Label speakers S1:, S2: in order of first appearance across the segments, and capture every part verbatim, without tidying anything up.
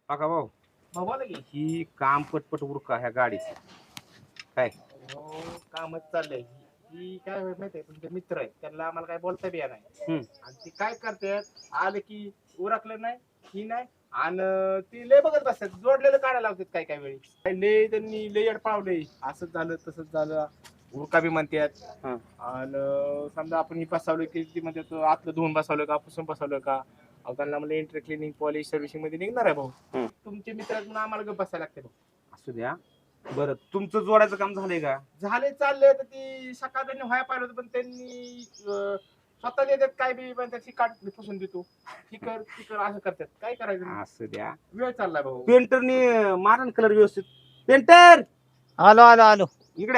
S1: बघा भाऊ,
S2: भाऊ बोला की.
S1: ही काम पटपट उरका ह्या गाडीचं. काय
S2: हो, कामच चाललंय. ही काय होत माहितीये, तुमचे मित्र आहेत त्यांना आम्हाला काय बोलता बी नाही.
S1: हम्म.
S2: आणि ती काय करतात, आलं की उरकलं नाही ही नाही आणि ती लय बघत बसतात, जोडलेलं काढायला लावतात काय काय वेळी. काय लय त्यांनी लय अडपावलंय, असंच झालं तसंच झालं, उरका बी म्हणतात.
S1: हा.
S2: आणि समजा आपण ही बसवलं की ती म्हणतात आतलं धुवून बसवलं का पुसून बसवलं का. अहो त्यांना म्हणजे इंटर क्लिनिंग पॉलिश सर्व्हिसिंग मध्ये निघणार आहे भाऊ.
S1: हम्म.
S2: तुमचे मित्र आहेत म्हणून आम्हाला गप्प बसायला लागते भाऊ.
S1: असू द्या. बरं, तुमचं जोडायचं काम झालंय का?
S2: झाले चालले तर ती सकाळ त्यांनी व्हायला पाहिलं होतं पण त्यांनी अं, स्वतः देतात काय बी म्हणतात ही काढ मी पुसून देतो ही कर ती कर असं करतात. काय करायचं,
S1: असू द्या.
S2: वेळ चाललाय भाऊ.
S1: पेंटरने मारण कलर व्यवस्थित. पेंटर
S3: आलो आलो आलो.
S1: इकडे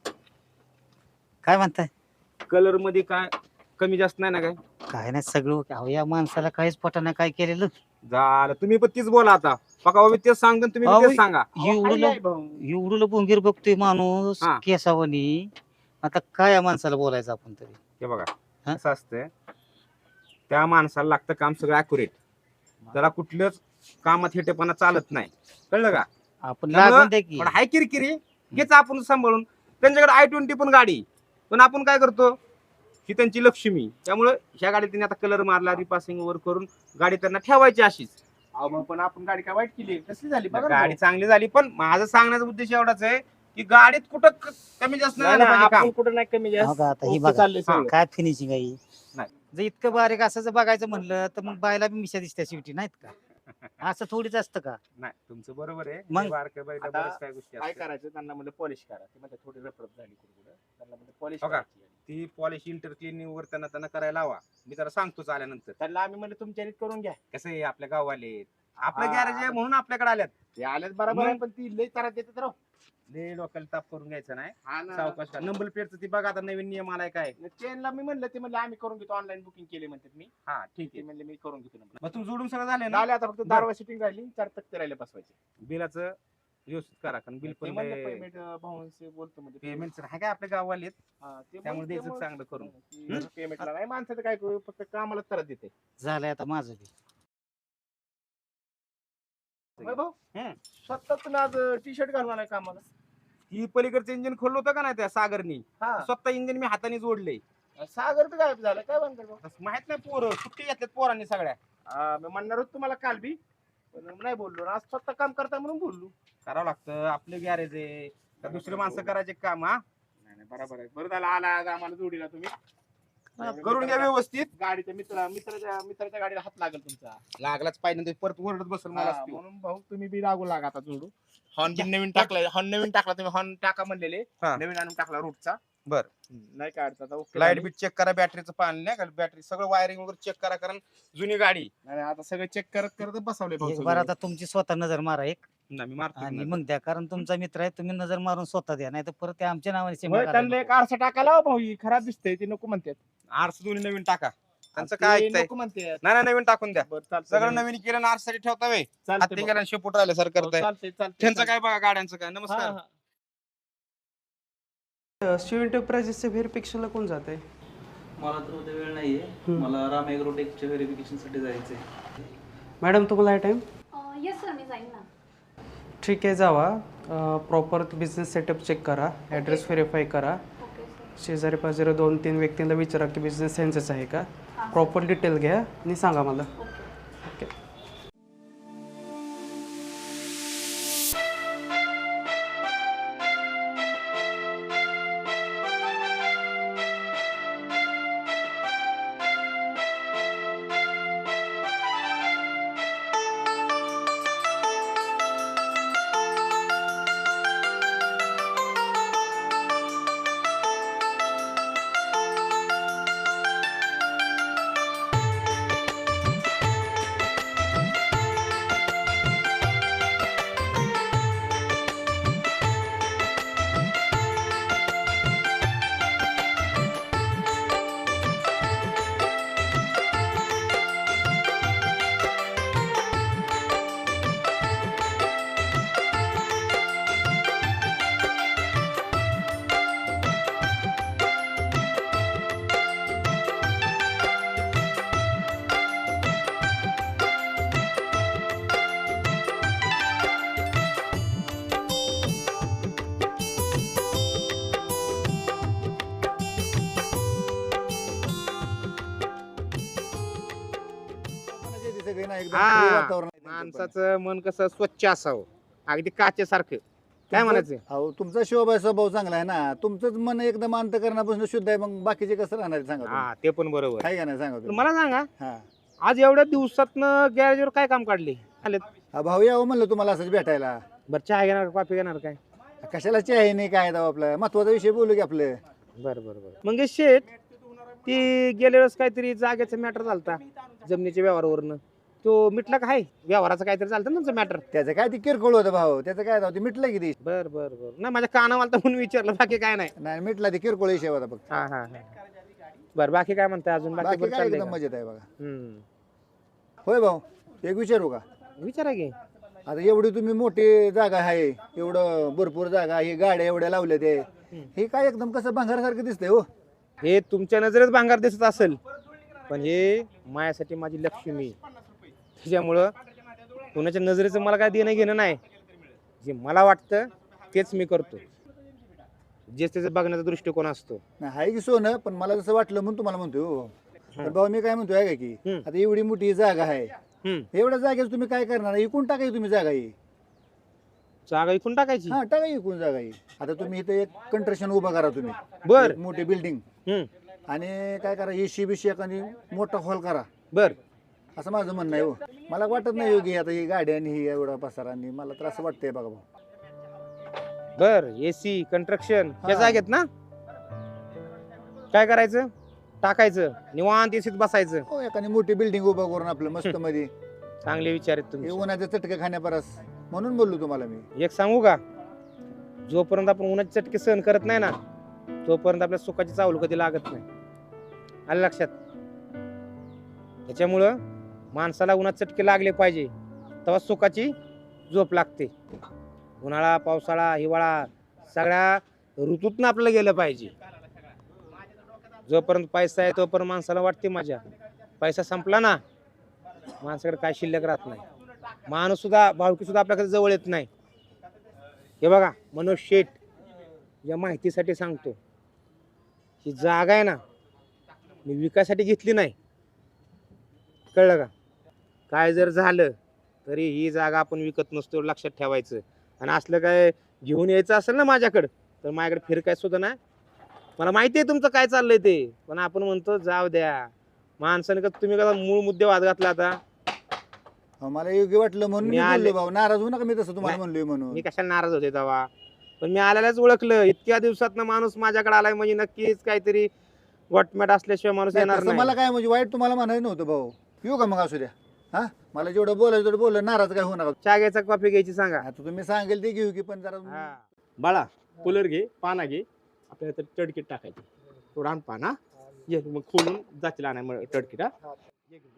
S3: काय म्हणताय?
S1: कलर मध्ये काय कमी जास्त नाही ना काय?
S3: काय नाही सगळं अहो या माणसाला काहीच पटना काय केलेलं.
S1: झालं, तुम्ही पण तीच बोला आता. बघा बाबा, तेच सांगतो तुम्ही
S3: अहो,
S1: बी तेच सांगा.
S2: अहो, हाय,
S3: एवढं
S2: हाय भाऊ.
S3: एवढं बोंगीर बघतोय माणूस
S1: हा.
S3: केसावनी. आता काय या माणसाला बोलायचं आपण तरी.
S1: हे बघा
S3: हा?
S1: कसं असतंय, त्या माणसाला लागतं काम सगळं अॅक्युरेट. त्याला कुठलंच कामात हेटेपणा चालत नाही, कळलं का?
S3: आपण
S1: त्यामुळं
S3: लागून द्या की.
S1: पण हाय किरकिरी हेच आपण सांभाळून. त्यांच्याकडे आय ट्वेंटी पण गाडी, पण आपण काय करतो, ही त्यांची लक्ष्मी. त्यामुळं ह्या गाडीत त्यांनी आता कलर मारला, रिपासिंग वर करून गाडी त्यांना ठेवायची अशीच.
S2: अहो भाऊ, पण आपण गाडी काय वाईट केली, कसली झाली बघा ना
S1: गाडी
S2: भाऊ.
S1: चांगली झाली, पण माझा सांगण्याचा उद्देश एवढाच आहे की गाडीत कुठं क- कमी जास्त नाही
S2: नाही,
S1: झालं
S2: नाही,
S1: पाहिजे
S2: आपण
S1: काम.
S2: कुठं नाही कमी
S3: हो
S2: जास्त
S3: का, आता ही
S2: ओके
S3: बघा.
S2: चाललंय
S1: हा.
S2: सगळं.
S3: काय फिनिशिंग आहे ही?
S1: नाही.
S3: जर इतकं बारीक असं जर बघायचं म्हणलं तर मग बायला बी मिशा दिसत्या शेवटी नाहीत का? असं थोडीच असतं का?
S1: नाही, तुमचं बरोबर आहे.
S3: मग?
S1: हे बारक्या बाईला
S2: आता
S1: बऱ्याच काय गोष्टी
S2: काय
S1: असतात.
S2: करायचं, त्यांना म्हणजे पॉलिश करा. ते म्हणतात थोडी रपरप झाली कुठं त्यांना म्हणजे पॉलिश
S1: हो का?
S2: करायची.
S1: ती पॉलिश इंटर क्लिनिंग वर त्यांना त्यांना करायला लावा. मी त्याला सांगतोच आल्यानंतर.
S2: त्यांना आम्ही म्हणलं तुमच्या रीत करून घ्या.
S1: कसं आहे, आपल्या गाववाले आपलं
S2: हा.
S1: गॅरेज आहे म्हणून आपल्याकडे आल्यात.
S2: ते आलेच बरोबर आहे,
S1: मग?
S2: पण ती लय त्रास देतात राव.
S1: लय डोक्याला ताप करून घ्यायचं नाही.
S2: हा ना.
S1: सावकाश का. नंबर प्लेटचं ती बघा, आता नवीन नियम आलाय काय.
S2: चेनला मी म्हणलं, ते म्हणले आम्ही करून घेतो, ऑनलाईन बुकिंग केली म्हणतात. मी
S1: हा ठीक
S2: ते
S1: आहे.
S2: म्हणले मी करून घेतो नंबर.
S1: मग तुम्ही जोडून सगळं झाले ना.
S2: झाले आता फक्त दारवा सिटिंग राहिली, चार तक्ते राहिले बसवायचे.
S1: बिलाचं व्यवस्थित करा, कारण बिल
S2: ते
S1: पण
S2: म्हणले पेमेंट भाऊंशी बोलतो म्हणजे
S1: पेमेंट आहे काय आपल्या गाववाले आहेत.
S2: हा, ते
S1: त्यामुळे
S2: बोलते
S1: द्यायचं
S2: मग.
S1: चांगलं करून.
S2: की पेमेंटला नाही माणसाचं काय करू, फक्त कामाला त्रास देते.
S3: झालंय आता माझं बी.
S2: होय भाऊ,
S1: हम्म.
S2: स्वतः तुम्ही आज टी शर्ट घालून आलाय कामाला.
S1: ही पलीकडचं इंजिन खोललं होतं का नाही त्या सागरनी,
S2: हा,
S1: स्वतः इंजिन मी हाताने जोडले.
S2: सागर तर गायब झाला, काय बनकर भाऊ.
S1: माहित नाही, पोरं सुट्टी घेतल्यात पोरांनी सगळ्या.
S2: हा, मी म्हणणार होतो तुम्हाला काल बी, पण नाही बोललो. आज स्वतः काम करता म्हणून बोललो.
S1: करावं लागतं, आपलं गॅरेज आहे. का दुसरे माणसं करायचे काम? हा,
S2: नाही नाही, बरोबर आहे. बरं झालं आला आज आम्हाला जोडीला तुम्ही.
S1: करून घ्या व्यवस्थित.
S2: गाडीच्या मित्र मित्राच्या मित्राच्या गाडीला हात लागेल तुमचा.
S1: लागलाच पाहिजे नाही तर परत ओरडत बसल मला.
S2: हा, म्हणून भाऊ तुम्ही बी लागू लागा आता जोडू. हॉर्न बिन नवीन टाकलाय, हॉर्न नवीन टाकला तुम्ही, हॉर्न टाका म्हणलेले,
S1: हा.
S2: नवीन आणून टाकला रूटचा.
S1: बर.
S2: नाही काय अडचण आता, ओके
S1: लाईट
S2: झाली.
S1: बीट चेक करा, बॅटरीचं पाणी नाही का, बॅटरी सगळं वायरिंग वगैरे चेक करा, कारण जुनी गाडी.
S2: नाही नाही, आता सगळं चेक करत करत बसवले भाऊ
S3: एक
S2: सगळे.
S3: बार आता तुमची स्वतः नजर मारा एक
S1: ना मी मारतो
S3: आणि
S1: नजर.
S3: मग द्या, कारण तुमचा मित्र आहे. तुम्ही नजर मारून स्वतः द्या, नाही तर परत ते आमच्या नावाने सिम
S2: होय, त्यांना एक आरसा टाकायला लावा भाऊ, ही खराब दिसतंय, ते नको म्हणतात.
S1: आरस दोन्ही नवीन टाका. त्यांचं
S2: ते
S1: काय ऐकताय?
S2: नको म्हणतात.
S1: नाही नाही, नवीन टाकून द्या.
S2: बरं, चालतंय.
S1: सगळं नवीन केलं ना, आरसाठी ठेवता वे.
S2: चालतंय
S1: हाती
S2: भाऊ.
S1: गेला शेपूट राहिलं सर
S2: हो,
S1: करताय.
S2: चालतंय चालतंय
S1: त्यांचं
S2: चालतंय.
S1: काय बघा, गाड्यांचं काय.
S2: हा,
S1: नमस्कार.
S2: हा.
S4: शिव एंटरप्राइजेसच्या व्हेरिफिकेशनला कोण जात आहे?
S5: मला तर उद्या वेळ नाहीये. मला राम ॲग्रोटेकच्या व्हेरिफिकेशनसाठी जायचंय.
S4: मॅडम तुम्हाला आहे टाईम?
S6: येस सर, मी जाईन ना.
S4: ठीक आहे, जावा. प्रॉपर बिझनेस सेटअप चेक करा, ॲड्रेस व्हेरीफाय करा.
S6: Okay sir.
S4: शेजारी पाजारी दोन तीन व्यक्तींना विचारा की बिझनेस त्यांचाच आहे का.
S6: हां.
S4: प्रॉपर डिटेल घ्या आणि सांगा मला.
S6: ओके.
S4: ओके.
S7: वेगळी ना एकदम
S1: हा.
S7: free वातावरण आहे त्यांचं पण.
S1: माणसाचं मन कसं स्वच्छ असावं अगदी काचेसारखं काय
S7: तुमचं-
S1: म्हणायचं
S7: अहो तुमचा शिवबाई स्वभाव चांगला आहे ना तुमचंच मन एकदम अंतकरणापासून शुद्ध आहे मग बाकीचे कसं राहणार आहे सांगा तुम्ही.
S1: हा ते पण बरोबर
S7: आहे का नाही सांगा
S1: पण
S7: तुम्ही.
S1: मला सांगा
S7: हा
S1: आज एवढ्या दिवसातनं गॅरेजवर काय काम काढले आलेत
S7: हा, भाऊ यावं म्हणलं तुम्हाला असंच भेटायला
S1: बरं चहा घेणार कॉफी घेणार काय
S7: कशाला आहे नाही काय दाव आपलं महत्वाचा विषय बोलू की आपलं.
S1: बरं बरं बरं मंगेश शेठ ती गेल्या वेळेस काहीतरी जागेचा मॅटर झालता जमिनीच्या व्यवहारावरनं तो मिटला का आहे व्यवहाराचं काहीतरी चालतं ना तुमचं मॅटर
S7: त्याचं काय ते किरकोळ होतं भाऊ त्याचं काय दाव ते मिटलं की ते
S1: बर बर बर नाही माझ्या कानावाला तर म्हणून विचारलं बाकी काय नाही
S7: नाही मिटला ते किरकोळ विषय होता फक्त.
S1: हा हा हा बर बाकी काय म्हणताय अजून बाकी
S7: बाकी
S1: बरं
S7: काय
S1: चाललंय
S7: एकदम
S1: का?
S7: मजेत आहे बघा.
S1: हम्म
S7: होय भाऊ एक विचारू का
S1: विचारा की
S7: आता एवढी तुम्ही मोठी जागा आहे एवढं भरपूर जागा ही गाड्या एवढ्या लावल्या ते हे काय एकदम कसं भांगारासारखं दिसतंय हो.
S1: हे तुमच्या नजरेत भांगार दिसत असेल पण हे मायासाठी माझी लक्ष्मी त्याच्यामुळं कोणाच्या नजरेचं मला काय देणं घेणं नाही जे मला वाटतं तेच मी करतो जे त्याचा बघण्याचा दृष्टिकोन असतो
S7: नाही आहे की सोनं पण मला जसं वाटलं म्हणून तुम्हाला म्हणतोय हो. पण भाऊ मी काय म्हणतोय आहे का की
S1: हम्म.
S7: आता एवढी मोठी जागा आहे
S1: हम्म
S7: एवढ्या जागेत तुम्ही काय करणार इकून टाकाय तुम्ही जागा ही
S1: जागा इकून टाकायची
S7: हा टाका इकून जागा ही आता तुम्ही इथे एक कंस्ट्रक्शन उभा करा तुम्ही
S1: बर
S7: एक मोठी बिल्डिंग
S1: हम्म
S7: आणि काय करा एसी बिशी एखादी मोठा हॉल करा
S1: बर
S7: असं माझं म्हणणं आहे हो. मला वाटत नाही योगी आता ही गाडी आणि ही एवढा पसारा आणि मला तर असं वाटतंय बघा भाऊ.
S1: बर एसी कंस्ट्रक्शन या
S7: हा.
S1: जागेत ना काय करायचं टाकायचं निवांत एसीत बसायचं
S7: हो एखादी मोठी बिल्डिंग उभा करून आपलं मस्त मध्ये
S1: चांगले विचार आहेत
S7: हे
S1: तुम्ही
S7: उन्हाचे चटके खाण्यापरस म्हणून बोललो तुम्हाला मी.
S1: एक सांगू का जोपर्यंत आपण उन्हाचे चटके सहन करत नाही ना तोपर्यंत आपल्या सुखाची चावल कधी लागत नाही आलं लक्षात त्याच्यामुळं माणसाला उन्हात चटके लागले पाहिजे तेव्हा सुखाची झोप लागते उन्हाळा पावसाळा हिवाळा सगळ्या ऋतूतनं आपल्याला गेलं पाहिजे जोपर्यंत पैसा आहे तोपर्यंत माणसाला वाटते मजा पैसा संपला ना माणसाकडे काय शिल्लक राहत नाही माणूस सुद्धा भावकी सुद्धा आपल्याकडे जवळ येत नाही हे बघा मनोज शेठ या माहितीसाठी सांगतो ही जागा आहे ना मी विकायसाठी घेतली नाही कळलं का काय जर झालं तरी ही जागा आपण विकत नसतो लक्षात ठेवायचं आणि असलं काय घेऊन यायचं असेल ना माझ्याकडं तर माझ्याकडे फिरकाय सुद्धा नाही मला माहिती आहे तुमचं काय चाललंय ते पण आपण म्हणतो जाऊ द्या माणसाने का तुम्ही कसा मूळ मुद्दे वाद घातला आता
S7: अहो, मला योग्य वाटलं म्हणून
S1: मी
S7: मी
S1: आले-
S7: बोललो भाऊ नाराज होऊ नका मी तसं तुम्हाला
S1: नाही.
S7: म्हणलोय म्हणून.
S1: मी कशाला नाराज होते तेव्हा पण मी आल्यालाच ओळखलं इतक्या दिवसात माणूस माझ्याकडे आलाय म्हणजे नक्कीच काहीतरी गोटमॅट असल्याशिवाय माणूस
S7: नाही,
S1: येणार
S7: तसं
S1: नाही
S7: मला काय म्हणजे वाईट तुम्हाला म्हणायचं नव्हतं भाऊ येऊ का मग असू द्या हा मला जेवढं बोलायचं तेवढं बोललं नाराज काय होऊ नका.
S1: चहा घ्यायचा कॉफी घ्यायची सांगा
S7: आता तुम्ही सांगेल ते घेऊ की पण जरा
S1: हा.
S2: बाळा कूलर घे पाना घे आपल्याला तर टडकीट टाकायची थोडा आण पाना ये मग खोलून जातील आणा मग टडकीट हा ये घेऊन, हा.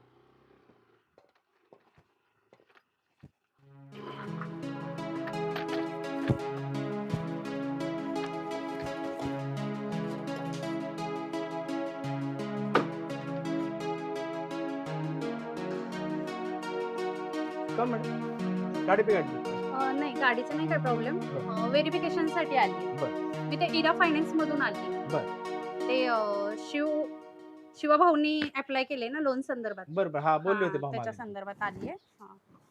S2: का मॅडम गाडी पे गाडी
S6: अं, नाही गाडीचं नाही काय प्रॉब्लेम व्हेरिफिकेशनसाठी आली मी ते इरा फायनान्स मधून आली ते अं, शिव शिवभाऊनी अप्लाय केले ना लोन संदर्भात
S2: बरं बरं हा बोलले होते
S6: हा,
S2: भाऊ
S6: त्याच्या
S2: मागे.
S6: संदर्भात आली आहे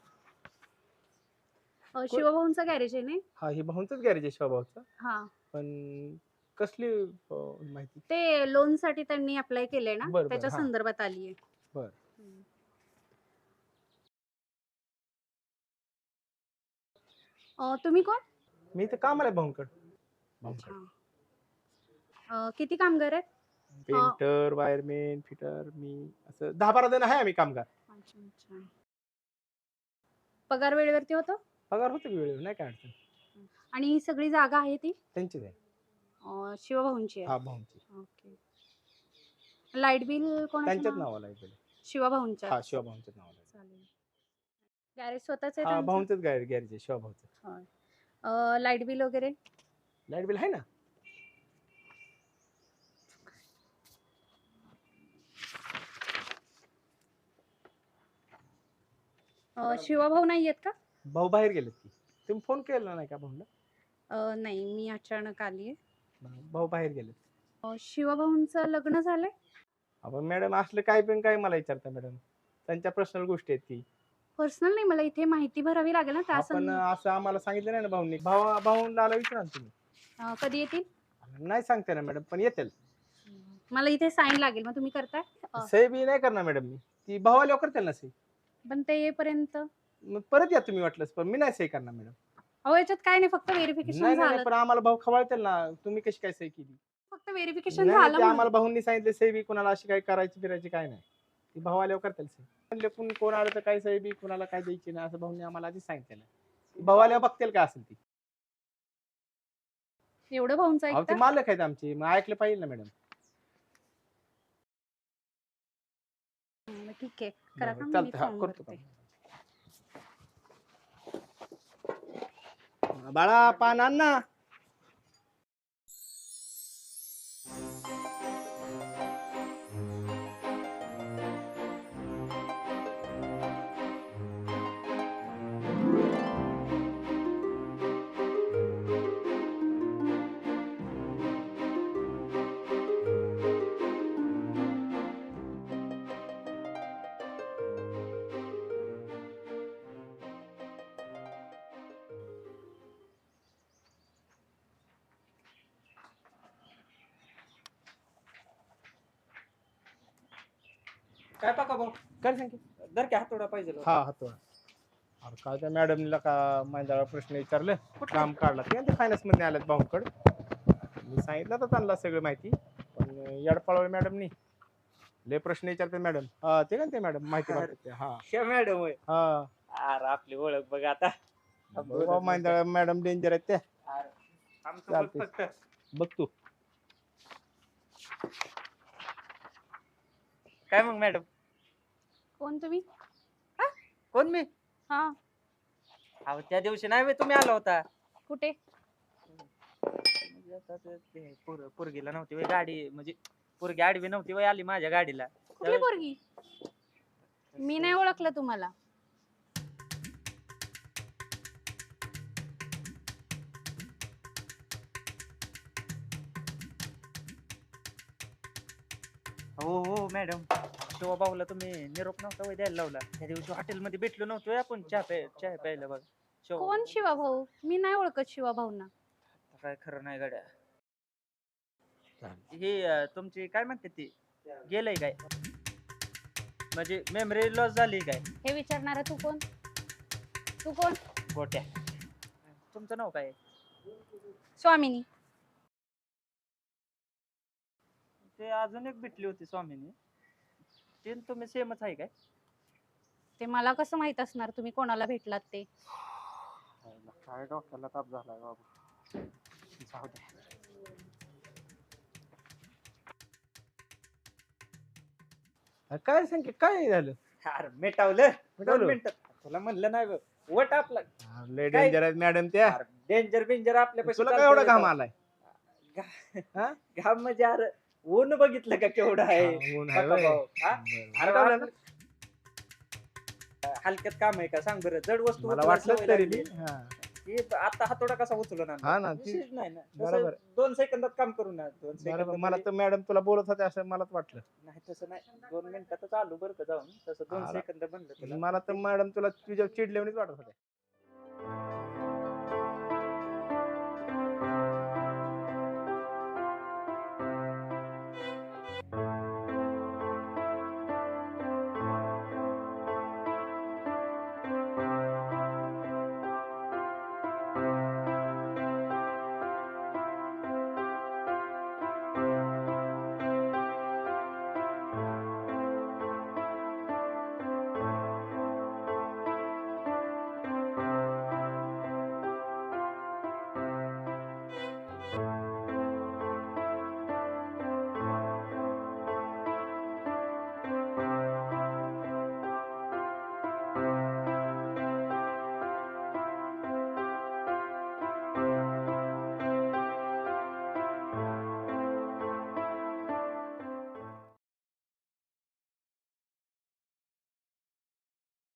S6: शिवभाऊंचं गॅरेज आहे ना
S2: हा हे भाऊंचंच गॅरेज आहे शिवभाऊचं
S6: हा
S2: पण कसली अं, माहिती
S6: ते लोन साठी त्यांनी अप्लाय केलंय ना
S2: बरं, बरं,
S6: त्याच्या
S2: हा.
S6: संदर्भात आली आहे
S2: बरं.
S6: तुम्ही कोण
S2: मी इथे कामाला आहे भाऊंकड भाऊंकड
S6: अच्छा. अं, किती कामगार आहेत
S2: पेंटर वायरमॅन फिटर मी असं दहा बारा जण आहे आम्ही कामगार
S6: अच्छा, अच्छा. पगार वेळेवरती होतो
S2: पगार होतो की वेळेवर नाही काय अडचण
S6: आणि ही सगळी जागा आहे ती
S2: त्यांचीच आहे
S6: अं, शिवभाऊंची आहे
S2: हा भाऊंची
S6: ओके लाईट बिल कोणाच्या
S2: त्यांच्याच
S6: नाव?
S2: नावाला आहे पहिले.
S6: शिवभाऊंच्या
S2: हा शिवभाऊंच्याच नावाला आहे.
S6: चालेल गॅरेज स्वतःच आहे
S2: हा
S6: त्यांचं?
S2: भाऊंचंच गॅरेज गॅरेज आहे शिवभाऊचं
S6: होय. अं, लाईट बिल वगैरे
S2: लाईट बिल आहे ना
S6: अं, शिवभाऊ नाही आहेत का
S2: भाऊ बाहेर गेलेत की तुम्ही फोन केला नाही का भाऊला
S6: अं, नाही मी अचानक आली आहे
S2: भाऊ बाहेर गेलेत
S6: शिवभाऊंचं लग्न झालंय
S2: आपण मॅडम असलं काय पण काय मला विचारता मॅडम त्यांच्या पर्सनल गोष्टी आहेत ती.
S6: पर्सनल नाही, मला इथे माहिती भरावी लागेल ना त्या
S2: आपण
S6: सं-
S2: असं आम्हाला सांगितलं नाही ना भाऊनी. भाऊ भाऊला विचारा ना तुम्ही.
S6: अं, कधी येतील?
S2: नाही सांगते ना मॅडम, पण येतील.
S6: मला इथे साईन लागेल, मग तुम्ही करताय? अं,
S2: सही बी नाही करणार मॅडम मी. ती भावाला करतील ना सही.
S6: पण ते येईपर्यंत
S2: मग परत या तुम्ही वाटलंच, पण मी नाही सही करणार मॅडम.
S6: अहो याच्यात काय नाही, फक्त
S2: नाही
S6: व्हेरिफिकेशन
S2: नाही नाही,
S6: झालं.
S2: पण आम्हाला भाऊ खवळतील ना, तुम्ही कशी काय सही केली.
S6: फक्त व्हेरिफिकेशन
S2: नाही, नाही,
S6: झालं
S2: ते
S6: म्हणून.
S2: आम्हाला भाऊंनी सांगितलं सही बी कुणाला अशी काही करायची फिरायची काय नाही. ती भावाला करतील सही. म्हणले कोण कोण आलं तर काय सही बी कुणाला काय द्यायची नाही असं भाऊंनी आम्हाला आधीच सांगितलं. भावाला बघतील का असेल ती.
S6: एवढं भाऊंचं
S2: अहो ते
S6: ऐकता?
S2: मालक आहेत आमचे, मग ऐकलं पाहिजे ना मॅडम.
S6: हं, ठीक आहे, करा का, मी
S2: चालतं, हा,
S6: फॉर्म
S2: करतो
S6: भरते.
S2: का. बाळा पान आण ना.
S5: काय पाका भाऊ
S2: काय सांग की.
S5: दर की हातोडा पाहिजे
S2: हा हातोडा. अरे काय त्या मॅडमला का माझ्या प्रश्न विचारले, काम काढला ते फायनान्स मध्ये आल्यात भाऊकडे. मी सांगितलं तर त्यांना सगळं माहिती, पण येडपाळवळ मॅडमनी लय प्रश्न विचारते मॅडम. हा ते का ते मॅडम माहिती मागते. हा
S5: मॅडम होय.
S2: हा
S5: अरे आपली ओळख बघ आता.
S2: मॅडम डेंजर आहेत त्या.
S5: आमचं बघ
S2: चालतंय.
S5: फक्त.
S2: बघ तू.
S5: काय मग मॅडम?
S6: कोण तुम्ही?
S5: कोण मी?
S6: हा,
S5: अहो त्या दिवशी नाही बे तुम्ही आला होता.
S6: कुठे?
S5: म्हणजे आता ते- ते पोर- पोरगीला नव्हती वय गाडी, म्हणजे पोरगी आडवी नव्हती वय आली माझ्या गाडीला.
S6: कुठली पोरगी? मी नाही ओळखलं तुम्हाला.
S5: हो हो मॅडम, शिवा भाऊला तुम्ही निरोप नव्हता वय द्यायला लावला त्या दिवशी हॉटेलमध्ये भेटलो नव्हतो आपण चहा प्याय चहा प्यायला बघ. शिवा
S6: कोण शिवा भाऊ? मी नाही ओळखत शिवा भाऊंना.
S5: काय खरं नाही गाड्या. हे अं, तुमची काय म्हणते ती गेलंय काय, म्हणजे मेमरी लॉस झाली काय?
S6: हे विचारणारा तू कोण? तू कोण?
S5: गोट्या. तुमचं नाव काय?
S6: स्वामिनी.
S5: ते अजून एक भेटली होती स्वामीनी, ते न तुम्ही सेमच आहे काय?
S6: ते मला कसं माहित असणार तुम्ही कोणाला भेटलात ते?
S5: काय डोक्याला ताप झालाय बाबू. जाऊ दे.
S2: काय सांग की, काय झालं.
S5: अरे मिटावलं दोन
S2: मिटावलं?
S5: मिनिटात. तुला म्हणलं नाही बघ, वट आपला
S2: लय
S5: काय?
S2: डेंजर आहेत मॅडम त्या.
S5: डेंजर बिंजर आपल्या
S2: तुला काय एवढा घाम आलाय. हा?
S5: घाम म्हणजे अरे ऊन बघितलं का केवढं आहे.
S2: हा, ऊन आहे
S5: बघा
S2: होय.
S5: भाऊ, हा?
S2: बरं.
S5: अरे
S2: मिटावलं ना?
S5: हलक्यात काम आहे का सांग बरं, जड वस्तू
S2: मला
S5: उचलायची
S2: वाटलं
S5: सवय
S2: तरी
S5: लागली.
S2: बी. हा.
S5: हे आता हातोडा कसा उचलून
S2: हा ना, ती-
S5: विशेष नाही ना. कसं
S2: बरोबर.
S5: दोन सेकंदात काम करू ना. दोन
S2: बरोबर.
S5: सेकंद
S2: मला तर मॅडम तुला बोलत होते असं मलाच वाटलं.
S5: नाही तसं नाही, दोन मिनिटातच आलो बरं का जाऊन. तसं दोन
S2: आला.
S5: सेकंद बनलं तुला.
S2: मला तर मॅडम तुला तुझ्या चिडल्यावणीच वाटत होते.